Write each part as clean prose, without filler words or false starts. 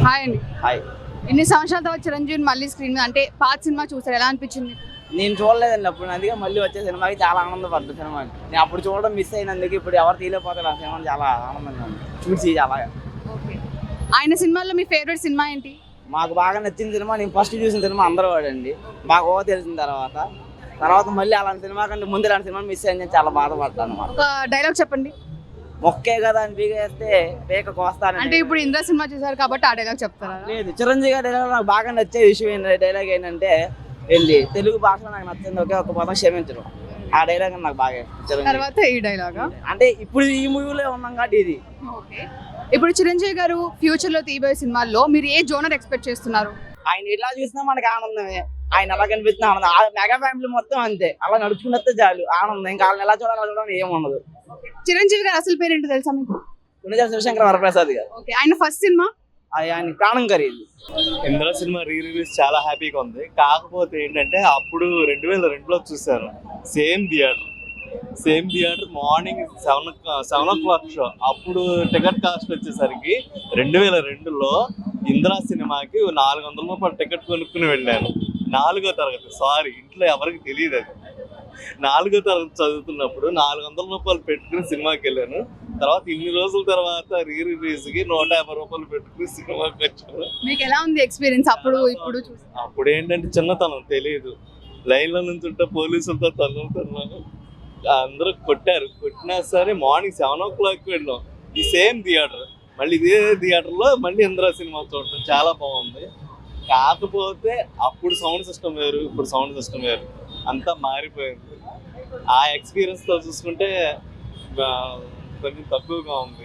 Hi అండి. Hi. ఇన్ని సంవత్సరాల తర్వాత చిరంజీవి మళ్ళీ స్క్రీన్ మీద అంటే పాత సినిమా చూసారు, ఎలా అనిపించింది? నేను చూడలేదండి అప్పుడు, అందుకే మళ్ళీ వచ్చే సినిమాకి చాలా ఆనందపడ్డా. సినిమాకి నేను అప్పుడు చూడడం మిస్ అయినందుకు ఇప్పుడు ఎవరు తీయలేకపోతారు. ఆ సినిమా చాలా ఆనందంగా ఉంది చూసి. చాలా ఓకే. ఆయన సినిమాల్లో మీ ఫేవరెట్ సినిమా ఏంటి? మాకు బాగా నచ్చిన సినిమా, నేను ఫస్ట్ చూసిన సినిమా అందరూ వాడండి. బాగా తెలిసిన తర్వాత మళ్ళీ అలాంటి సినిమా కంటే ముందు ఇలాంటి సినిమా మిస్ అయింది, నేను చాలా బాధపడ్డాను అన్నమాట. ఒక డైలాగ్ చెప్పండి. మొక్కే కదా అని పీకేస్తే పేక కోస్తాను. అంటే ఇప్పుడు ఇంద్ర సినిమా చూసారు కాబట్టి ఆ డైలాగ్ చెప్తారా? లేదు, చిరంజీవి గారి డైలాగ్ నాకు బాగా నచ్చే విషయం డైలాగ్ ఏంటంటే, వెళ్ళి తెలుగు భాషలో నాకు నచ్చింది ఒకే ఒక పదం, క్షమించడం. ఆ డైలాగ్ నాకు బాగా తర్వాత ఈ డైలాగ్ అంటే ఇప్పుడు ఈ మూవీలో ఉన్నాం కాబట్టి ఇది. ఓకే. ఇప్పుడు చిరంజీవి గారు ఫ్యూచర్ లో తీయబోయే సినిమాల్లో మీరు ఏ జోనర్ ఎక్స్పెక్ట్ చేస్తున్నారు? ఆయన ఎలా చూసినా మనకి ఆనందమే, ఆయన ఎలా కనిపిస్తున్నా ఆనందం. ఆ మెగా ఫ్యామిలీ మొత్తం అంతే, అలా నడుచుకున్నట్టే చాలు ఆనందం. ఇంకా వాళ్ళని ఎలా చూడాలని ఏముండదు. చిరంజీవి గారు అసలు పేరేంటో తెలుసా మీకు? గుణజాల శివశంకర వరప్రసాద్ గారు. ఓకే. ఆయన ఫస్ట్ సినిమా ఆయన ప్రాణం ఖరీదు. ఇంద్ర సినిమా రిలీజ్ చాలా హ్యాపీగా ఉంది. కాకపోతే ఏంటంటే అప్పుడు 2002లో చూశాను, సేమ్ థియేటర్ మార్నింగ్ 7 o'clock షో. అప్పుడు టికెట్ కాస్ట్ వచ్చేసరికి 2002లో ఇంద్ర సినిమాకి 400 రూపాయలు టికెట్ కొనుక్కుని వెళ్ళాను. 4వ తరగతి, సారీ ఇంట్లో ఎవరికి తెలియదు అది. 4వ తరగతి చదువుతున్నప్పుడు 400 రూపాయలు పెట్టుకుని సినిమాకి వెళ్ళాను. తర్వాత ఇన్ని రోజుల తర్వాత రిలీజ్కి 150 రూపాయలు పెట్టుకుని సినిమాకి వచ్చాను. మీకు ఎలా ఉంది ఎక్స్పీరియన్స్ అప్పుడు ఇప్పుడు చూసి? అప్పుడు ఏంటంటే చిన్నతనం, తెలియదు. లైన్లో నుంచి ఉంటే పోలీసులతో తన్నుతున్నాను, అందరూ కొట్టినా సరే మార్నింగ్ 7 o'clock వెళ్ళాం. ఈ సేమ్ థియేటర్, మళ్ళీ ఇదే థియేటర్లో మళ్ళీ ఇంద్ర సినిమా చూడటం చాలా బాగుంది. కాకపోతే అప్పుడు సౌండ్ సిస్టమ్ వేరు, ఇప్పుడు సౌండ్ సిస్టమ్ వేరు, అంతా మారిపోయింది. ఆ ఎక్స్పీరియన్స్తో చూసుకుంటే కొంచెం తక్కువగా ఉంది.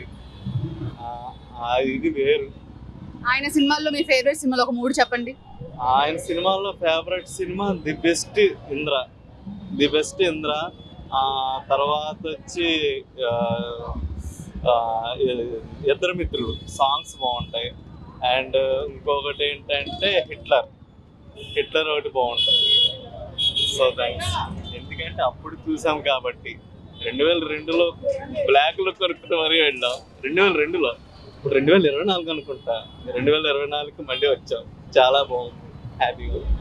ఇది వేరు. ఆయన సినిమాల్లో మీ ఫేవరెట్ సినిమాలు ఒక 3 చెప్పండి. ఆయన సినిమాల్లో ఫేవరెట్ సినిమా ది బెస్ట్ ఇంద్ర. తర్వాత వచ్చి ఇద్దరు మిత్రులు, సాంగ్స్ బాగుంటాయి. అండ్ ఇంకొకటి ఏంటంటే హిట్లర్ ఒకటి బాగుంటుంది. So thanks. ఎందుకంటే అప్పుడు చూసాం కాబట్టి. 2002లో బ్లాక్లో కొనుక్కుని మరీ వెళ్ళాం. 2002లో, ఇప్పుడు 2024 అనుకుంటా. 2024కి మళ్ళీ వచ్చాం. చాలా బాగుంది, హ్యాపీగా.